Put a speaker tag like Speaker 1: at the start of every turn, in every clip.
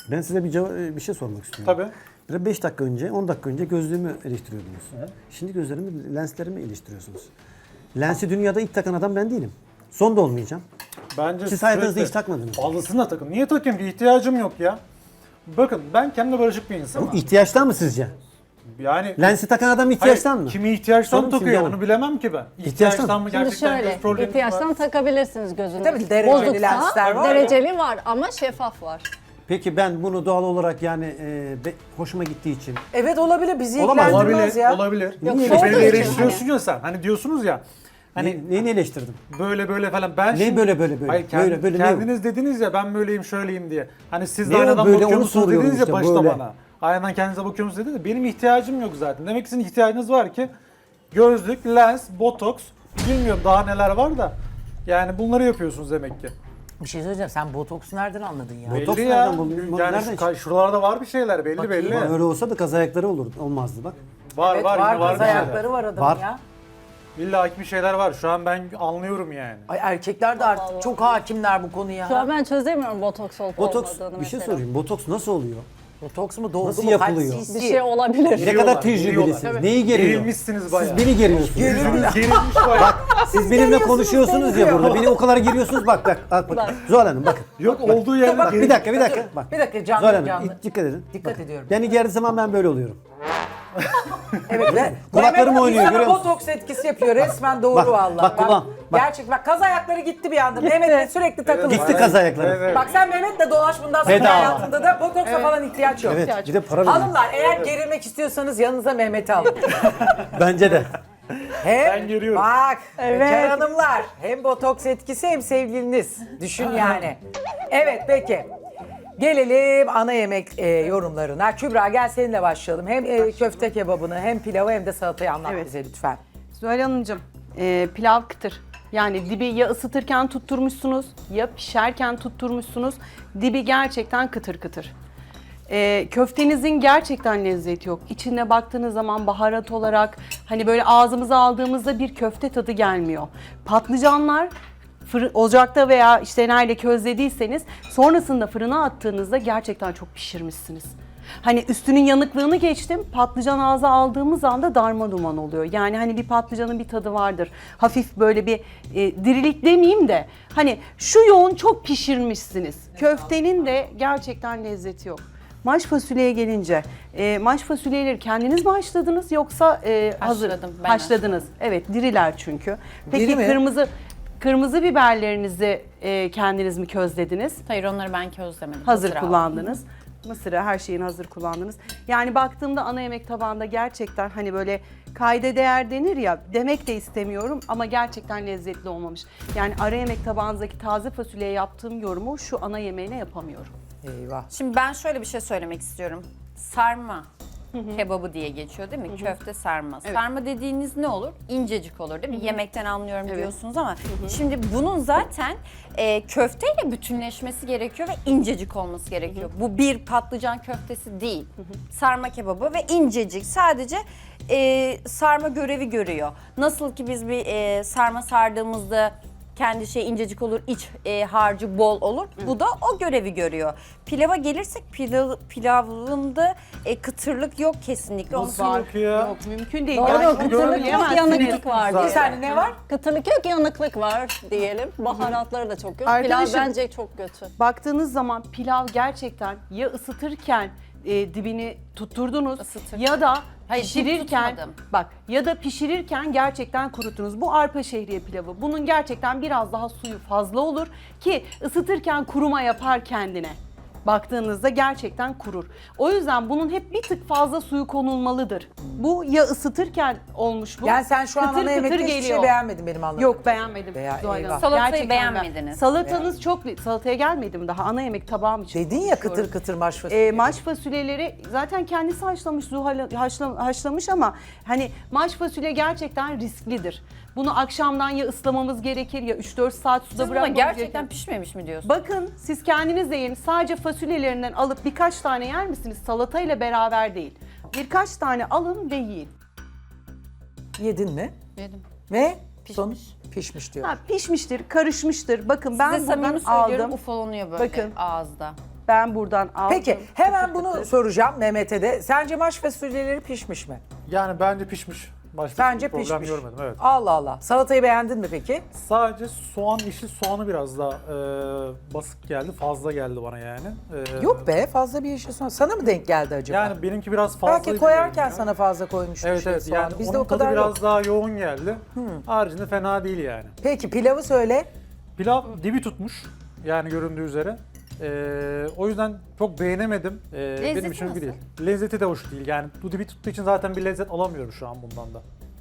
Speaker 1: Ben size bir şey sormak istiyorum.
Speaker 2: Tabii.
Speaker 1: Bir 5 dakika önce, 10 dakika önce gözlüğümü eleştiriyordunuz. Şimdi lenslerimi eleştiriyorsunuz. Lensi dünyada ilk takan adam ben değilim. Son da olmayacağım.
Speaker 2: Bence
Speaker 1: Siz hayatınızda
Speaker 2: sürekli
Speaker 1: hiç takmadınız.
Speaker 2: fazlasını da takın. Niye takayım ki? İhtiyacım yok ya. Bakın ben kendimle barışık bir insanım.
Speaker 1: Bu ihtiyaçtan mı sizce?
Speaker 2: Yani
Speaker 1: Lensi takan adam ihtiyaçtan mı?
Speaker 2: kimi ihtiyaçtan
Speaker 1: Sorun
Speaker 2: takıyor
Speaker 1: Simge
Speaker 2: onu
Speaker 1: Hanım.
Speaker 2: bilemem ki ben.
Speaker 1: İhtiyaçtan
Speaker 2: mı
Speaker 3: Şimdi
Speaker 2: gerçekten
Speaker 3: şöyle,
Speaker 2: göz problemi
Speaker 3: ihtiyaçtan
Speaker 2: var?
Speaker 3: takabilirsiniz gözünüzü.
Speaker 4: Tabii dereceli lensler var ya.
Speaker 3: Dereceli var ama şeffaf var.
Speaker 1: Peki ben bunu doğal olarak yani hoşuma gittiği için
Speaker 4: Evet olabilir. Bizi
Speaker 1: Olamaz.
Speaker 4: ilgilendirmez
Speaker 2: Olabilir,
Speaker 4: ya.
Speaker 2: olabilir.
Speaker 3: Yok,
Speaker 1: Niye
Speaker 3: şov
Speaker 2: Beni
Speaker 3: da için
Speaker 2: eleştiriyorsun ya sen. Hani diyorsunuz ya. Hani
Speaker 1: neyini eleştirdim?
Speaker 2: böyle falan. Ben
Speaker 1: Ne
Speaker 2: şimdi-
Speaker 1: böyle?
Speaker 2: Hayır,
Speaker 1: Böyle ne?
Speaker 2: kendiniz dediniz ya ben böyleyim şöyleyim diye. Hani siz de
Speaker 1: Ne o
Speaker 2: aynadan
Speaker 1: böyle,
Speaker 2: bakıyor
Speaker 1: onu
Speaker 2: musunuz
Speaker 1: soruyorum
Speaker 2: dediniz ya
Speaker 1: işte,
Speaker 2: başta
Speaker 1: böyle.
Speaker 2: bana. Aynadan kendinize bakıyor musunuz dediniz ya. Benim ihtiyacım yok zaten. Demek ki sizin ihtiyacınız var ki gözlük, lens, botoks, bilmiyorum daha neler var da. Yani bunları yapıyorsunuz demek ki.
Speaker 4: Bir şey söyleyeceğim. Sen botoksu nereden anladın ya?
Speaker 1: Botoks
Speaker 2: Belli ya.
Speaker 1: nereden buldun?
Speaker 2: Yani
Speaker 1: Nereden
Speaker 2: şu, şuralarda var bir şeyler belli belli.
Speaker 1: Ama öyle olsa da kaz ayakları olmazdı bak.
Speaker 2: Var
Speaker 4: Evet,
Speaker 2: var
Speaker 4: var,
Speaker 2: yine var
Speaker 4: kız
Speaker 2: bir şeyler.
Speaker 4: ayakları var adamın
Speaker 1: Var.
Speaker 4: ya.
Speaker 2: İlla ki bir şeyler var. Şu an ben anlıyorum yani.
Speaker 4: Ay erkekler de artık çok hakimler bu konuya.
Speaker 3: Şu an ben çözemiyorum botoks olup
Speaker 1: Botoks
Speaker 3: olmadığını
Speaker 1: bir şey
Speaker 3: mesela.
Speaker 1: sorayım. Botoks nasıl oluyor?
Speaker 4: Botoks mu dolgu
Speaker 1: Nasıl
Speaker 4: mu? Kaç
Speaker 1: yapılıyor?
Speaker 4: cc?
Speaker 3: Bir şey olabilir.
Speaker 1: Ne
Speaker 2: Geriyorlar,
Speaker 1: kadar tecrübelisiniz?
Speaker 2: geriyorlar.
Speaker 1: Neyi geriyor?
Speaker 2: Gerilmişsiniz bayağı.
Speaker 1: Siz beni geriyorsunuz.
Speaker 2: Yüzünüz gerilmiş bayağı.
Speaker 1: Siz benimle konuşuyorsunuz ya burada. Beni o kadar geriyorsunuz. Bak. Zuhal Hanım bakın.
Speaker 2: Yok olduğu yerde
Speaker 1: Bak bir dakika. Bak.
Speaker 4: Bir dakika canlı
Speaker 1: Zuhal Hanım
Speaker 4: canlı.
Speaker 1: dikkat edin.
Speaker 4: Dikkat ediyorum.
Speaker 1: Beni gerdiği zaman ben böyle oluyorum.
Speaker 4: Evet ve
Speaker 1: Kulaklarım
Speaker 4: Mehmet
Speaker 1: oynuyor,
Speaker 4: sana
Speaker 1: görüyor musun?
Speaker 4: botoks etkisi yapıyor resmen doğru
Speaker 1: Bak,
Speaker 4: vallahi.
Speaker 1: bak kulağım, bak.
Speaker 4: Gerçek bak kaz ayakları gitti bir anda. Mehmet'le sürekli takıldı.
Speaker 1: Gitti kaz ayakları.
Speaker 2: Evet.
Speaker 4: Bak sen Mehmet'le dolaş bundan sonra
Speaker 1: Bedava.
Speaker 4: hayatında da botoksa falan ihtiyaç yok.
Speaker 1: Evet bir de para veriyor.
Speaker 4: Hanımlar eğer gerilmek istiyorsanız yanınıza Mehmet'i alın.
Speaker 1: Bence de.
Speaker 4: Hem,
Speaker 2: Ben geriyorum.
Speaker 4: Bak
Speaker 3: Evet.
Speaker 4: bekar hanımlar hem botoks etkisi hem sevgiliniz. Düşün yani. Evet peki. Gelelim ana yemek yorumlarına. Kübra gel seninle başlayalım. Hem köfte kebabını hem pilavı hem de salatayı anlat
Speaker 5: Evet.
Speaker 4: bize lütfen.
Speaker 5: Zuhal Hanımcığım, pilav kıtır. Yani dibi ya ısıtırken tutturmuşsunuz ya pişerken tutturmuşsunuz. Dibi gerçekten kıtır kıtır. Köftenizin gerçekten lezzeti yok. İçine baktığınız zaman baharat olarak hani böyle ağzımıza aldığımızda bir köfte tadı gelmiyor. Patlıcanlar ocakta veya işte nerede közlediyseniz sonrasında fırına attığınızda gerçekten çok pişirmişsiniz. Hani üstünün yanıklığını geçtim, patlıcan ağza aldığımız anda darma duman oluyor. Yani hani bir patlıcanın bir tadı vardır. Hafif böyle bir dirilik demeyeyim de hani şu yoğun çok pişirmişsiniz. Köftenin de gerçekten lezzeti yok. Maş fasulyeye gelince, maş fasulyeleri kendiniz mi haşladınız yoksa hazır
Speaker 6: Haşladım, ben
Speaker 5: haşladınız? Evet, diriler çünkü. Peki
Speaker 4: Diri mi?
Speaker 5: kırmızı biberlerinizi kendiniz mi közlediniz?
Speaker 6: Hayır onları ben közlemedim.
Speaker 5: Hazır
Speaker 6: aldım.
Speaker 5: kullandınız. Mısırı her şeyin hazır kullandınız. Yani baktığımda ana yemek tabağında gerçekten hani böyle kayda değer denir ya demek de istemiyorum ama gerçekten lezzetli olmamış. Yani ara yemek tabağınızdaki taze fasulyeye yaptığım yorumu şu ana yemeğine yapamıyorum.
Speaker 4: Eyvah.
Speaker 6: Şimdi ben şöyle bir şey söylemek istiyorum. Sarma kebabı diye geçiyor değil mi? Köfte sarma. Sarma dediğiniz ne olur? İncecik olur değil mi? Yemekten anlıyorum diyorsunuz ama şimdi bunun zaten köfteyle bütünleşmesi gerekiyor ve incecik olması gerekiyor. Bu bir patlıcan köftesi değil. Sarma kebabı ve incecik sadece sarma görevi görüyor. Nasıl ki biz bir sarma sardığımızda kendi şey incecik olur, iç harcı bol olur. Bu da o görevi görüyor. Pilava gelirsek pilavında kıtırlık yok kesinlikle. Onu
Speaker 5: Var.
Speaker 2: yok ya?
Speaker 5: Yok mümkün değil.
Speaker 3: Doğru,
Speaker 5: Yani
Speaker 3: kıtırlık yok,
Speaker 5: söyleyemezsiniz.
Speaker 3: yanıklık var
Speaker 4: Bir
Speaker 3: diyelim.
Speaker 4: saniye ne var?
Speaker 3: Kıtırlık yok, yanıklık var diyelim. Baharatları da çok yok. Pilav
Speaker 5: Arkadaşım-
Speaker 3: bence çok kötü.
Speaker 5: Baktığınız zaman pilav gerçekten ya ısıtırken dibini tutturdunuz
Speaker 6: Isıtırken.
Speaker 5: ya da
Speaker 6: Hayır,
Speaker 5: pişirirken
Speaker 6: tutmadım.
Speaker 5: bak ya da pişirirken gerçekten kuruttunuz. Bu arpa şehriye pilavı. Bunun gerçekten biraz daha suyu fazla olur ki ısıtırken kuruma yapar kendine. Baktığınızda gerçekten kurur. O yüzden bunun hep bir tık fazla suyu konulmalıdır. Bu ya ısıtırken olmuş bu.
Speaker 4: Yani sen şu an
Speaker 5: kıtır
Speaker 4: ana
Speaker 5: kıtır
Speaker 4: yemekte hiçbir şey
Speaker 5: geliyor.
Speaker 4: beğenmedin benim anladığım.
Speaker 5: Yok beğenmedim.
Speaker 4: Veya
Speaker 5: Zuhal Hanım.
Speaker 4: eyvah.
Speaker 6: Salatayı
Speaker 5: Gerçekten
Speaker 6: beğenmediniz.
Speaker 5: Salatanız çok... Salataya gelmedim daha. Ana yemek tabağım için.
Speaker 4: Dedin ya kıtır kıtır maş fasulye.
Speaker 5: Maş fasulyeleri zaten kendisi haşlamış, haşlamış ama hani maş fasulye gerçekten risklidir. Bunu akşamdan ya ıslamamız gerekir ya 3-4 saat suda
Speaker 6: Siz buna
Speaker 5: bırakmamız
Speaker 6: gerçekten
Speaker 5: gerekir.
Speaker 6: pişmemiş mi diyorsunuz?
Speaker 5: Bakın siz kendiniz de yiyin. Sadece fasulyelerinden alıp birkaç tane yer misiniz? Salatayla beraber değil. Birkaç tane alın ve yiyin.
Speaker 4: Yedin mi?
Speaker 6: Yedim.
Speaker 4: Ve
Speaker 6: Pişmiş.
Speaker 4: sonuç pişmiş diyor.
Speaker 5: Ha, pişmiştir, karışmıştır. Bakın ben
Speaker 6: Size
Speaker 5: buradan
Speaker 6: samimi söylüyorum
Speaker 5: aldım.
Speaker 6: ufalanıyor böyle
Speaker 5: Bakın.
Speaker 6: ağızda.
Speaker 5: Ben buradan aldım.
Speaker 4: Peki hemen bunu soracağım Mehmet'e de. Sence maş fasulyeleri pişmiş mi?
Speaker 2: Yani bence pişmiş. Başta
Speaker 4: Bence
Speaker 2: bir problem
Speaker 4: pişmiş.
Speaker 2: görmedim, evet.
Speaker 4: Allah Allah. Salatayı beğendin mi peki?
Speaker 2: Sadece yeşil soğanı biraz daha basık geldi, fazla geldi bana yani.
Speaker 4: Yok be, fazla bir yeşil soğan. Sana mı denk geldi acaba?
Speaker 2: Yani benimki biraz fazla.
Speaker 4: Belki koyarken sana fazla koymuş
Speaker 2: Evet
Speaker 4: yeşil
Speaker 2: evet,
Speaker 4: soğan.
Speaker 2: yani
Speaker 4: Bizde
Speaker 2: onun
Speaker 4: o kadar
Speaker 2: tadı
Speaker 4: yok.
Speaker 2: biraz daha yoğun geldi. Haricinde fena değil yani.
Speaker 4: Peki pilavı söyle.
Speaker 2: Pilav dibi tutmuş yani göründüğü üzere. O yüzden çok beğenemedim. Benim için
Speaker 6: nasıl?
Speaker 2: değil. Lezzeti de hoş değil. Yani bu dibi tuttuğu için zaten bir lezzet alamıyorum şu an bundan da.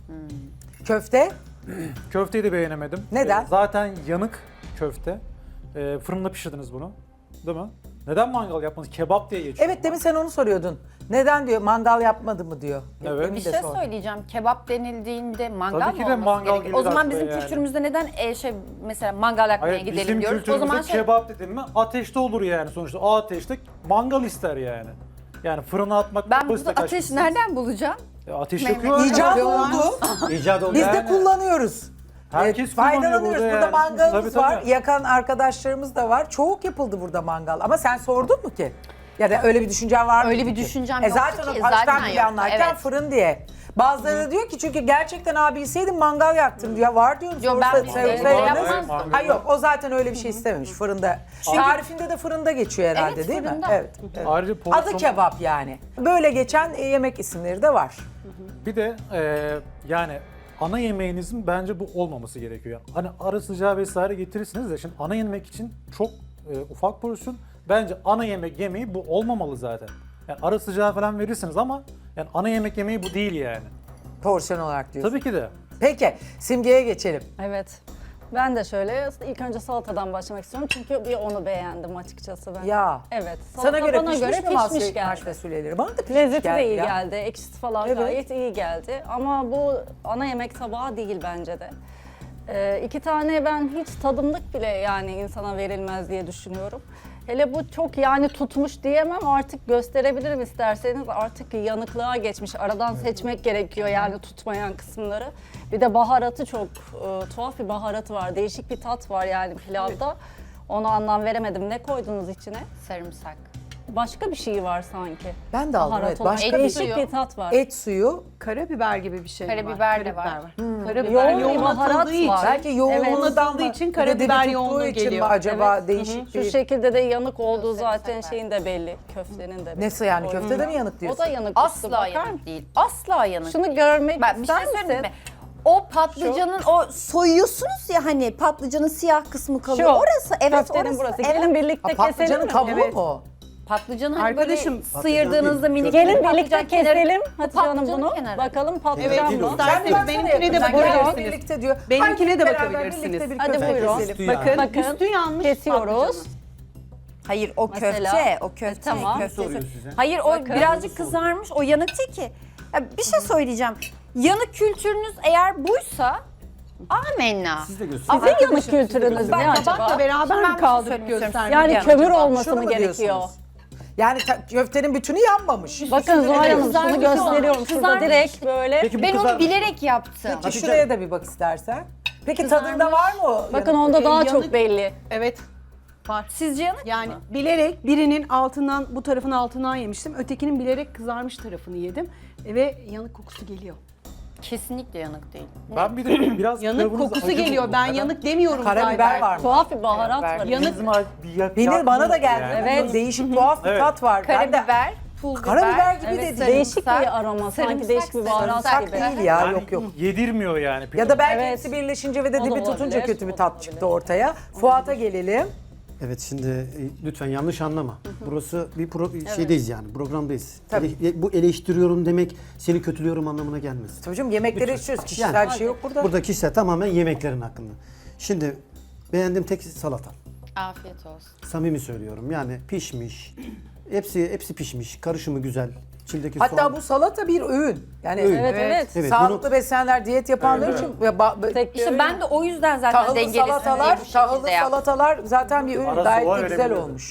Speaker 4: Köfte.
Speaker 2: Köfteyi de beğenemedim.
Speaker 4: Neden?
Speaker 2: Zaten yanık köfte. Fırında pişirdiniz bunu. Değil mi? Neden mangal yapmadınız? Kebap diye geçiyor.
Speaker 4: Evet demin sen onu soruyordun. Neden diyor mangal yapmadı mı diyor.
Speaker 2: Evet.
Speaker 4: Demin
Speaker 6: Bir
Speaker 4: de
Speaker 6: şey
Speaker 4: sordum.
Speaker 6: söyleyeceğim. Kebap denildiğinde mangal
Speaker 2: Tabii ki
Speaker 6: mı
Speaker 2: de
Speaker 6: olması
Speaker 2: mangal
Speaker 6: gerekiyor?
Speaker 2: gibi
Speaker 6: O zaman
Speaker 2: de
Speaker 6: bizim
Speaker 2: yani.
Speaker 6: kültürümüzde neden mesela mangal yakmaya
Speaker 2: Hayır,
Speaker 6: gidelim
Speaker 2: bizim
Speaker 6: diyoruz. O
Speaker 2: kültürümüzde
Speaker 6: zaman
Speaker 2: kebap dedim mi ateşte olur yani sonuçta. O ateşte mangal ister yani. Yani fırına atmak
Speaker 6: ben bu
Speaker 2: basit
Speaker 6: ateş
Speaker 2: kaçmışsın.
Speaker 6: nereden bulacağım?
Speaker 2: Ateş
Speaker 6: Mehmet.
Speaker 2: yakıyor.
Speaker 4: İcat oldu.
Speaker 1: İcat oldu.
Speaker 4: Biz de
Speaker 2: Yani-
Speaker 4: kullanıyoruz.
Speaker 2: Herkes kullanıyor
Speaker 4: faydalanıyoruz.
Speaker 2: burada
Speaker 4: Burada
Speaker 2: yani.
Speaker 4: mangalımız
Speaker 2: Tabii,
Speaker 4: var.
Speaker 2: tabii.
Speaker 4: Yakan arkadaşlarımız da var. Çoğu yapıldı burada mangal. Ama sen sordun mu ki? Ya da öyle bir düşüncen var mı?
Speaker 6: Öyle bir
Speaker 4: ki?
Speaker 6: düşüncem yoktu
Speaker 4: zaten
Speaker 6: ki,
Speaker 4: o baştan
Speaker 6: zaten
Speaker 4: planlarken
Speaker 6: yoktu, evet.
Speaker 4: fırın diye. Bazıları da diyor ki çünkü gerçekten abi bilseydim mangal yaktım diyor. Var diyorum.
Speaker 6: Yo,
Speaker 4: sorsa-
Speaker 6: ben
Speaker 4: sevse-
Speaker 6: öyle
Speaker 4: sevse-
Speaker 6: yapmazdım.
Speaker 4: Ha yok o zaten öyle bir şey istememiş fırında. Tarifinde de fırında geçiyor herhalde
Speaker 6: Evet,
Speaker 4: değil mi?
Speaker 6: fırında.
Speaker 4: Evet. evet.
Speaker 2: Ayrıca
Speaker 4: Adı
Speaker 2: porsiyon-
Speaker 4: kebap yani. Böyle geçen yemek isimleri de var.
Speaker 2: Bir de yani ana yemeğinizin bence bu olmaması gerekiyor. Hani ara sıcağı vesaire getirirsiniz de şimdi ana yemek için çok ufak porsiyon. Bence ana yemek yemeği bu olmamalı zaten. Yani ara sıcağı falan verirsiniz ama yani ana yemek yemeği bu değil yani.
Speaker 4: Porsiyon olarak diyorsun.
Speaker 2: Tabii ki de.
Speaker 4: Peki Simge'ye geçelim.
Speaker 3: Evet. Ben de şöyle ilk önce salatadan başlamak istiyorum çünkü bir onu beğendim açıkçası ben.
Speaker 4: Ya.
Speaker 3: Evet.
Speaker 4: Sana
Speaker 3: Salata
Speaker 4: göre
Speaker 3: bana
Speaker 4: pişmiş
Speaker 3: göre
Speaker 4: mi
Speaker 3: pişmiş
Speaker 4: maş
Speaker 3: geldi.
Speaker 4: fasulyeleri? Bana da pişmiş
Speaker 3: Lezzeti
Speaker 4: geldi
Speaker 3: de iyi
Speaker 4: ya.
Speaker 3: geldi. Ekşisi falan
Speaker 4: Evet.
Speaker 3: gayet iyi geldi. Ama bu ana yemek tabağı değil bence de. İki tane ben hiç tadımlık bile yani insana verilmez diye düşünüyorum. Hele bu çok yani tutmuş diyemem artık gösterebilirim isterseniz artık yanıklığa geçmiş. Aradan seçmek gerekiyor yani tutmayan kısımları. Bir de baharatı çok tuhaf bir baharatı var. Değişik bir tat var yani pilavda. Ona anlam veremedim. Ne koydunuz içine?
Speaker 6: Sarımsak.
Speaker 3: Başka bir şey var sanki.
Speaker 4: Ben de aldım
Speaker 3: Baharat
Speaker 4: evet.
Speaker 3: olarak.
Speaker 4: Başka bir
Speaker 3: Değişik
Speaker 6: suyu.
Speaker 3: bir tat var.
Speaker 4: et suyu.
Speaker 5: Karabiber gibi bir şey var.
Speaker 6: Karabiber de var.
Speaker 5: Karabiber
Speaker 3: Yoğun bir
Speaker 5: yoğun
Speaker 3: baharat
Speaker 5: atıldığı için.
Speaker 3: var.
Speaker 4: Belki yoğunluğundan
Speaker 5: atıldığı
Speaker 4: mı?
Speaker 5: için
Speaker 4: Bir de
Speaker 5: karabiber
Speaker 4: dibi tuttuğu
Speaker 5: yoğunluğu
Speaker 4: için mi
Speaker 5: geliyor.
Speaker 4: acaba
Speaker 3: Evet.
Speaker 4: değişik
Speaker 3: Şu
Speaker 4: bir...
Speaker 3: şekilde de yanık olduğu zaten şeyin de belli. Köftenin de belli.
Speaker 4: Nasıl yani köftede mi yanık
Speaker 3: O
Speaker 4: diyorsun?
Speaker 3: da yanık.
Speaker 6: Asla
Speaker 3: Bakar
Speaker 6: yanık
Speaker 3: mısın?
Speaker 6: değil. Asla yanık.
Speaker 3: Şunu görmek
Speaker 6: Ben bir şey
Speaker 3: ister
Speaker 6: söyleyeyim
Speaker 3: misin?
Speaker 6: mi? O patlıcanın o soyuyorsunuz ya hani patlıcanın siyah kısmı kalıyor.
Speaker 3: Şu,
Speaker 6: Orası evet
Speaker 3: köftenin
Speaker 6: orası.
Speaker 3: burası.
Speaker 6: Evet.
Speaker 3: Gelin birlikte
Speaker 4: Ha,
Speaker 3: keselim
Speaker 4: patlıcanın
Speaker 3: mi?
Speaker 4: kabuğu mu?
Speaker 6: Patlıcanı hani
Speaker 5: Arkadaşım,
Speaker 6: böyle sıyırdığınızda minik
Speaker 3: Gelin
Speaker 6: patlıcan
Speaker 3: birlikte
Speaker 6: kenarı-
Speaker 3: keselim Hatice Hanım
Speaker 6: patlıcanın
Speaker 3: bunu.
Speaker 6: kenarı.
Speaker 3: Bakalım patlıcan
Speaker 5: Evet,
Speaker 3: mı?
Speaker 5: isterseniz
Speaker 4: baksana
Speaker 5: benimkine de
Speaker 4: yakından.
Speaker 5: bakabilirsiniz.
Speaker 4: Birlikte diyor.
Speaker 5: Benimkine
Speaker 4: Hadi
Speaker 5: de
Speaker 4: beraber
Speaker 5: bakabilirsiniz.
Speaker 4: birlikte bir
Speaker 3: Hadi
Speaker 4: köfte
Speaker 3: buyurun.
Speaker 4: keselim.
Speaker 5: Bakın,
Speaker 3: Bakın,
Speaker 5: üstü yanmış
Speaker 3: kesiyoruz.
Speaker 5: patlıcanın.
Speaker 6: Hayır o
Speaker 3: Mesela.
Speaker 6: köfte, o köfte.
Speaker 3: Tamam.
Speaker 6: köfte.
Speaker 1: Soruyor size.
Speaker 6: Hayır o
Speaker 3: Bakın.
Speaker 6: birazcık kızarmış, o yanık değil ki. Ya bir şey söyleyeceğim. Yanık kültürünüz eğer buysa amenna.
Speaker 1: Siz de gösterin.
Speaker 3: Sizin yanık kültürünüz ne acaba?
Speaker 5: Tabakla beraber
Speaker 6: Ben bir
Speaker 5: mi
Speaker 6: şey
Speaker 5: kaldırıp
Speaker 6: söylemek istiyorum.
Speaker 5: göstermek?
Speaker 3: Yani
Speaker 6: Yani
Speaker 3: kömür
Speaker 6: acaba
Speaker 3: olması
Speaker 4: Şunu
Speaker 3: mı
Speaker 4: mu
Speaker 3: gerekiyor?
Speaker 4: diyorsunuz? Yani köftenin bütünü yanmamış.
Speaker 3: Bakın Zuhal Hanım şunu
Speaker 6: Kızarmış
Speaker 3: gösteriyorum.
Speaker 6: olan,
Speaker 3: Şurada
Speaker 6: kızarmış.
Speaker 3: direkt böyle.
Speaker 1: Peki bu
Speaker 6: Ben
Speaker 1: kızar-
Speaker 6: onu bilerek yaptım.
Speaker 4: Peki şuraya da bir bak istersen. Peki tadında var mı o?
Speaker 3: Bakın onda daha
Speaker 5: yanık-
Speaker 3: çok belli.
Speaker 5: Evet. Var.
Speaker 6: Sizce yanık
Speaker 5: Yani
Speaker 6: mı?
Speaker 5: bilerek birinin altından, bu tarafın altından yemiştim. Ötekinin bilerek kızarmış tarafını yedim. Ve yanık kokusu geliyor.
Speaker 6: Kesinlikle yanık değil.
Speaker 2: Ben bir de biraz
Speaker 5: Yanık
Speaker 2: pilavınız
Speaker 5: kokusu
Speaker 2: acı
Speaker 5: geliyor.
Speaker 2: buldum.
Speaker 5: Ben
Speaker 2: Neden?
Speaker 5: yanık demiyorum
Speaker 4: Karabiber
Speaker 5: zaten.
Speaker 4: var mı?
Speaker 3: Tuhaf bir baharat var.
Speaker 5: Yanık-
Speaker 2: Bizim
Speaker 4: Benim bana da geldi.
Speaker 2: Yani.
Speaker 3: Evet.
Speaker 4: Değişik tuhaf bir
Speaker 2: Evet.
Speaker 4: tat var. Ben de
Speaker 6: Karabiber, pul biber.
Speaker 4: Karabiber gibi
Speaker 3: Evet,
Speaker 4: de
Speaker 3: değişik
Speaker 6: sarımsak,
Speaker 3: bir aroma sanki
Speaker 6: sarımsak,
Speaker 3: değişik bir baharat
Speaker 6: sarımsak
Speaker 3: gibi.
Speaker 4: değil ya
Speaker 2: Yani
Speaker 4: yok yok.
Speaker 2: yedirmiyor yani.
Speaker 4: Ya da belki
Speaker 3: Evet.
Speaker 4: hepsi birleşince ve de
Speaker 3: O da
Speaker 4: dibi
Speaker 3: olabilir,
Speaker 4: tutunca kötü bir
Speaker 3: o da
Speaker 4: tat
Speaker 3: olabilir.
Speaker 4: çıktı ortaya. Fuat'a gelelim.
Speaker 1: Evet şimdi lütfen yanlış anlama. Burası bir şeydeyiz yani programdayız. Bu eleştiriyorum demek seni kötülüyorum anlamına gelmez.
Speaker 4: Hocam yemekleri içiyoruz. Kişisel bir şey yok burada.
Speaker 1: Burada kişisel tamamen yemeklerin hakkında. Şimdi beğendiğim tek salata.
Speaker 6: Afiyet olsun.
Speaker 1: Samimi söylüyorum yani pişmiş. Hepsi pişmiş. Karışımı güzel. İçindeki
Speaker 4: Hatta
Speaker 1: soğan.
Speaker 4: bu salata bir öğün. Yani
Speaker 1: Öğün.
Speaker 3: Evet evet.
Speaker 1: Evet,
Speaker 4: sağlıklı
Speaker 1: bunu-
Speaker 4: beslenenler, diyet yapanlar için
Speaker 3: Tek bir
Speaker 6: İşte
Speaker 3: öğün.
Speaker 6: ben de o yüzden zaten
Speaker 4: tahıllı
Speaker 6: dengelisini diye
Speaker 4: salatalar,
Speaker 6: bu şekilde yaptım.
Speaker 4: zaten bir öğün
Speaker 2: Ara
Speaker 4: gayet
Speaker 2: soğan
Speaker 4: de güzel
Speaker 2: verebilirim.
Speaker 4: olmuş.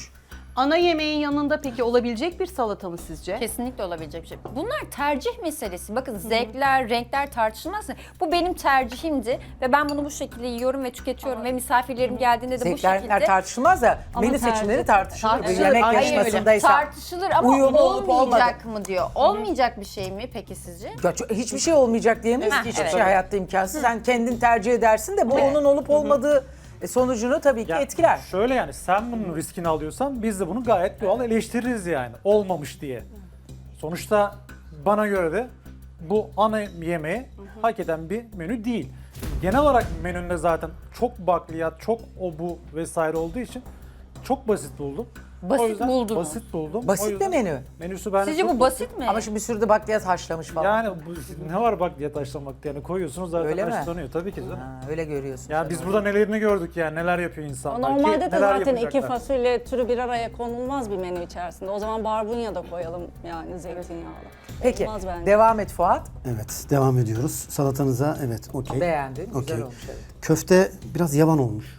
Speaker 5: Ana yemeğin yanında peki olabilecek bir salata mı sizce?
Speaker 6: Kesinlikle olabilecek bir şey. Bunlar tercih meselesi. Bakın zevkler, renkler tartışılmaz. Bu benim tercihimdi ve ben bunu bu şekilde yiyorum ve tüketiyorum ve misafirlerim geldiğinde de bu
Speaker 4: Zevkler
Speaker 6: şekilde
Speaker 4: tartışılmaz da
Speaker 3: Ama
Speaker 4: menü seçimleri tartışılır. Bir
Speaker 5: tartışılır.
Speaker 4: yemek
Speaker 5: Aynen öyle.
Speaker 4: yarışmasındaysa.
Speaker 6: tartışılır ama
Speaker 4: uyumlu olup
Speaker 6: olmayacak mı diyor. Olmayacak bir şey mi peki sizce?
Speaker 4: Ya hiçbir şey olmayacak diyemeyiz
Speaker 6: Heh,
Speaker 4: ki, hiçbir
Speaker 6: evet.
Speaker 4: şey hayatta imkansız. Sen kendin tercih edersin de bu
Speaker 6: Evet.
Speaker 4: onun olup olmadığı sonucunu tabii ki
Speaker 2: Ya
Speaker 4: etkiler.
Speaker 2: Şöyle yani sen bunun riskini alıyorsan biz de bunu gayet doğal eleştiririz yani. Olmamış diye. Sonuçta bana göre de bu ana yemeği hak eden bir menü değil. Genel olarak menünde zaten çok bakliyat, çok o bu vesaire olduğu için çok basit buldum.
Speaker 6: Basit
Speaker 2: O yüzden
Speaker 6: buldun mu?
Speaker 2: Basit buldum.
Speaker 4: Basit
Speaker 2: O
Speaker 4: bir
Speaker 2: yüzden
Speaker 4: menü.
Speaker 2: Menüsü bence
Speaker 6: Sizce
Speaker 2: çok
Speaker 6: bu basit mi?
Speaker 4: Ama şimdi bir sürü de bakliyat haşlamış falan.
Speaker 2: Yani ne var bakliyat haşlamakta yani koyuyorsunuz zaten
Speaker 4: Öyle mi?
Speaker 2: haşlanıyor tabii ki canım.
Speaker 4: Ha, öyle görüyorsun.
Speaker 2: Yani
Speaker 4: sen
Speaker 2: biz
Speaker 4: onu.
Speaker 2: burada nelerini gördük yani neler yapıyor insanlar. ki
Speaker 3: Normalde de
Speaker 2: neler
Speaker 3: zaten iki
Speaker 2: yapacaklar.
Speaker 3: fasulye türü bir araya konulmaz bir menü içerisinde. O zaman barbunya da koyalım yani zeytinyağlı.
Speaker 4: Peki
Speaker 3: Olmaz bence.
Speaker 4: devam et Fuat.
Speaker 1: Evet, devam ediyoruz. Salatanıza evet, okey.
Speaker 4: Beğendin. Güzel
Speaker 1: Okey.
Speaker 4: olmuş. Evet.
Speaker 1: Köfte biraz yavan olmuş.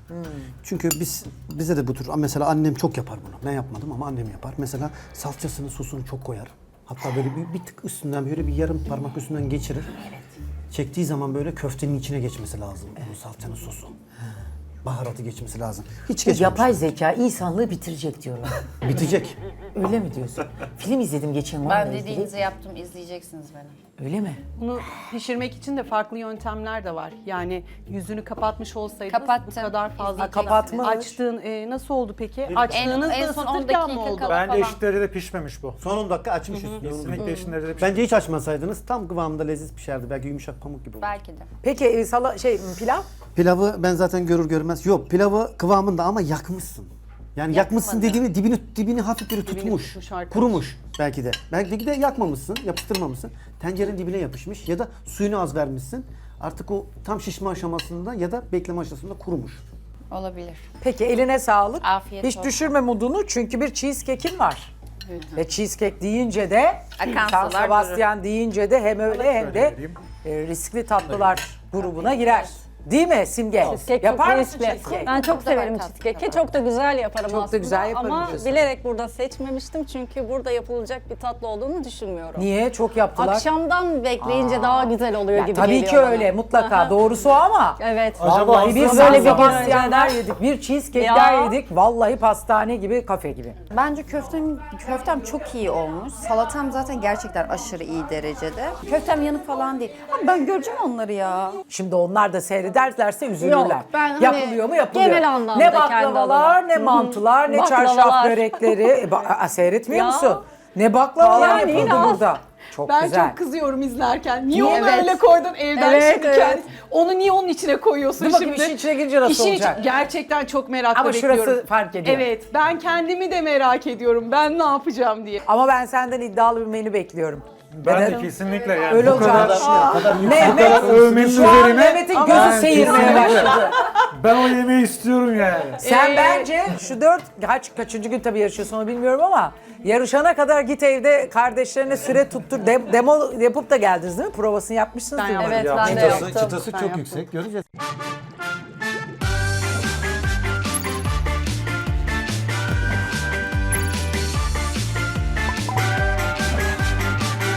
Speaker 1: Çünkü bize de bu tür, mesela annem çok yapar bunu. Ben yapmadım ama annem yapar. Mesela salçasını, sosunu çok koyar. Hatta böyle bir tık üstünden, böyle bir yarım parmak üstünden geçirir. Çektiği zaman böyle köftenin içine geçmesi lazım. Bu salçanın sosu. Baharatı geçmesi lazım. Hiç geçmemiş.
Speaker 7: Yapay zeka insanlığı bitirecek diyorlar.
Speaker 1: Bitecek.
Speaker 7: Öyle mi diyorsun? Film izledim geçen onunla
Speaker 6: Ben
Speaker 7: ilgili.
Speaker 6: dediğinizi yaptım, izleyeceksiniz beni.
Speaker 7: Öyle mi?
Speaker 5: Bunu pişirmek için de farklı yöntemler de var. Yani yüzünü kapatmış olsaydınız
Speaker 6: Kapattım.
Speaker 5: bu kadar fazla
Speaker 6: Ha,
Speaker 4: kapatmış.
Speaker 5: açtığın nasıl oldu peki? Açtığınızda
Speaker 6: en son 10
Speaker 5: ısıtırken mi
Speaker 6: dakika
Speaker 5: oldu?
Speaker 6: kala-
Speaker 2: Bence
Speaker 6: falan.
Speaker 2: eşit derecede pişmemiş bu.
Speaker 1: Son 10 dakika açmış üstüne.
Speaker 2: Kesinlikle eşit derecede pişmemiş.
Speaker 1: Bence hiç açmasaydınız tam kıvamında leziz pişerdi. Belki yumuşak pamuk gibi olurdu.
Speaker 6: Belki de.
Speaker 4: Peki pilav?
Speaker 1: Pilavı ben zaten görür görmez. Yok, pilavı kıvamında ama yakmışsın. Yani yakmışsın dediğimi dibini hafif bir tutmuş.
Speaker 5: tutmuş arkadaş.
Speaker 1: Kurumuş belki de. Belki de yakmamışsın, yapıştırmamışsın. Tencerenin dibine yapışmış ya da suyunu az vermişsin. Artık o tam şişme aşamasında ya da bekleme aşamasında kurumuş.
Speaker 6: Olabilir.
Speaker 4: Peki eline sağlık.
Speaker 6: Afiyet
Speaker 4: Hiç
Speaker 6: olsun.
Speaker 4: düşürme modunu çünkü bir cheesecake'in var. Ve cheesecake deyince de
Speaker 6: Akan
Speaker 4: San
Speaker 6: sular
Speaker 4: Sebastian deyince de hem öyle hem de
Speaker 2: vereyim.
Speaker 4: riskli tatlılar grubuna girer. Değil mi Simge?
Speaker 3: Cheesecake
Speaker 4: Yapar
Speaker 3: çok
Speaker 4: mısın
Speaker 3: riskli.
Speaker 4: cheesecake?
Speaker 3: Ben çok
Speaker 6: Burada
Speaker 3: severim
Speaker 6: var tatlı
Speaker 3: cheesecake'i. Çok da güzel yaparım
Speaker 4: Çok da
Speaker 3: aslında.
Speaker 4: güzel yaparım
Speaker 3: ama
Speaker 4: diyorsun.
Speaker 3: bilerek burada seçmemiştim çünkü burada yapılacak bir tatlı olduğunu düşünmüyorum.
Speaker 4: Niye? Çok yaptılar.
Speaker 3: Akşamdan bekleyince daha güzel oluyor
Speaker 4: Ya
Speaker 3: gibi
Speaker 4: tabii
Speaker 3: geliyor
Speaker 4: ki
Speaker 3: bana.
Speaker 4: öyle mutlaka.
Speaker 3: Aha.
Speaker 4: Doğrusu o ama.
Speaker 3: Evet.
Speaker 2: Acaba
Speaker 4: Vallahi biz
Speaker 2: aslında
Speaker 4: böyle bir
Speaker 3: zaman
Speaker 4: Sebastianlar
Speaker 3: önceden-
Speaker 4: yedik, bir cheesecake'ler
Speaker 3: Ya.
Speaker 4: yedik. Vallahi pastane gibi, kafe gibi.
Speaker 6: Bence köftem çok iyi olmuş. Salatam zaten gerçekten aşırı iyi derecede. Köftem yanık falan değil. Ama ben göreceğim onları ya.
Speaker 4: Şimdi onlar da seyrederlerse üzülürler.
Speaker 3: Yok, ben hani
Speaker 4: yapılıyor mu? Yapılıyor.
Speaker 3: genel anlamda
Speaker 4: Ne
Speaker 3: kendi
Speaker 4: baklavalar,
Speaker 3: adıma.
Speaker 4: ne mantılar, ne
Speaker 3: Baklavalar.
Speaker 4: çarşaf börekleri. Seyretmiyor
Speaker 3: Ya.
Speaker 4: musun? Ne baklavalar
Speaker 3: Yani
Speaker 4: yapıldı
Speaker 3: inan.
Speaker 4: burada. Çok
Speaker 5: Ben
Speaker 4: güzel.
Speaker 5: çok kızıyorum izlerken. Niye
Speaker 3: Niye?
Speaker 5: onu
Speaker 3: Evet.
Speaker 5: öyle koydun evden
Speaker 3: Evet,
Speaker 5: şimdi
Speaker 3: evet.
Speaker 5: kendi? Onu niye onun içine koyuyorsun
Speaker 4: Dur bakayım
Speaker 5: şimdi?
Speaker 4: işin içine girince nasıl
Speaker 5: İşin
Speaker 4: olacak?
Speaker 5: içi- gerçekten çok merakla
Speaker 4: Ama
Speaker 5: bekliyorum.
Speaker 4: şurası fark ediyor.
Speaker 5: Evet, ben kendimi de merak ediyorum. Ben ne yapacağım diye.
Speaker 4: Ama ben senden iddialı bir menü bekliyorum.
Speaker 2: Ben
Speaker 4: Neden?
Speaker 2: de kesinlikle yani
Speaker 4: Öyle
Speaker 2: bu
Speaker 4: olacak.
Speaker 2: kadar
Speaker 4: Mehmet
Speaker 2: övmesi
Speaker 4: şu an
Speaker 2: üzerine
Speaker 4: Mehmet'in gözü
Speaker 2: ben
Speaker 4: seyirmeye
Speaker 2: kesinlikle-
Speaker 4: başladı.
Speaker 2: ben o yemeği istiyorum yani.
Speaker 4: Sen bence şu kaçıncı gün tabii yarışıyorsun onu bilmiyorum ama yarışana kadar git evde kardeşlerine süre tuttur. Demo yapıp da geldiniz değil mi? Provasını yapmışsınız
Speaker 5: Ben
Speaker 4: değil mi?
Speaker 5: yaptım.
Speaker 3: Evet ben de
Speaker 2: Çıtası,
Speaker 3: yaptım.
Speaker 2: çıtası
Speaker 5: Ben
Speaker 2: çok
Speaker 5: yaptım.
Speaker 2: yüksek. Göreceğiz.